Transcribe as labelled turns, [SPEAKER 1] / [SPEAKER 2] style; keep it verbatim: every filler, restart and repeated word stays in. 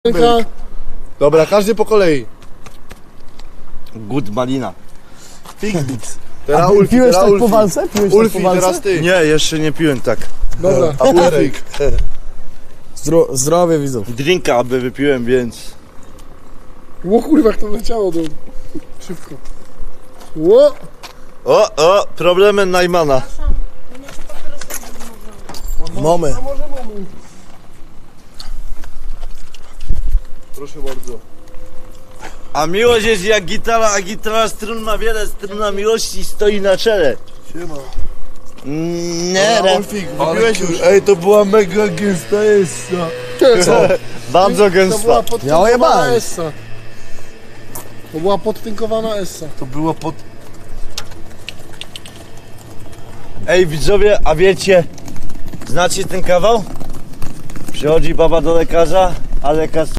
[SPEAKER 1] Dobra, każdy po kolei.
[SPEAKER 2] Good malina. Figmix.
[SPEAKER 1] Teraz
[SPEAKER 3] A
[SPEAKER 1] Ulfi,
[SPEAKER 3] piłeś
[SPEAKER 1] teraz
[SPEAKER 3] tak
[SPEAKER 1] Ulfi.
[SPEAKER 3] po walce? Piłeś
[SPEAKER 1] Ulfi,
[SPEAKER 3] tak po walce?
[SPEAKER 1] teraz ty.
[SPEAKER 2] Nie, jeszcze nie piłem tak.
[SPEAKER 1] Dobra, a Ulfik.
[SPEAKER 3] Zdro zdrowie widzów.
[SPEAKER 2] Drinka aby wypiłem, więc...
[SPEAKER 4] Ło kurwa, jak to leciało do... Szybko. Ło!
[SPEAKER 2] O, o, problemy Najmana.
[SPEAKER 3] Mamy.
[SPEAKER 1] Proszę bardzo.
[SPEAKER 2] A miłość jest jak gitara, a gitara strun ma wiele, struna miłości stoi na czele.
[SPEAKER 1] Siema.
[SPEAKER 2] Nie,
[SPEAKER 1] Dobra, Ulfik, wypiłeś już. Ej, to była mega gęsta essa.
[SPEAKER 3] Co?
[SPEAKER 2] bardzo
[SPEAKER 4] To była
[SPEAKER 2] gęsta.
[SPEAKER 3] Ja
[SPEAKER 4] podtynkowana
[SPEAKER 3] ojebałem.
[SPEAKER 4] essa. To była podtynkowana essa.
[SPEAKER 1] To była pod...
[SPEAKER 2] Ej widzowie, a wiecie, znacie ten kawał? Przychodzi baba do lekarza, a lekarz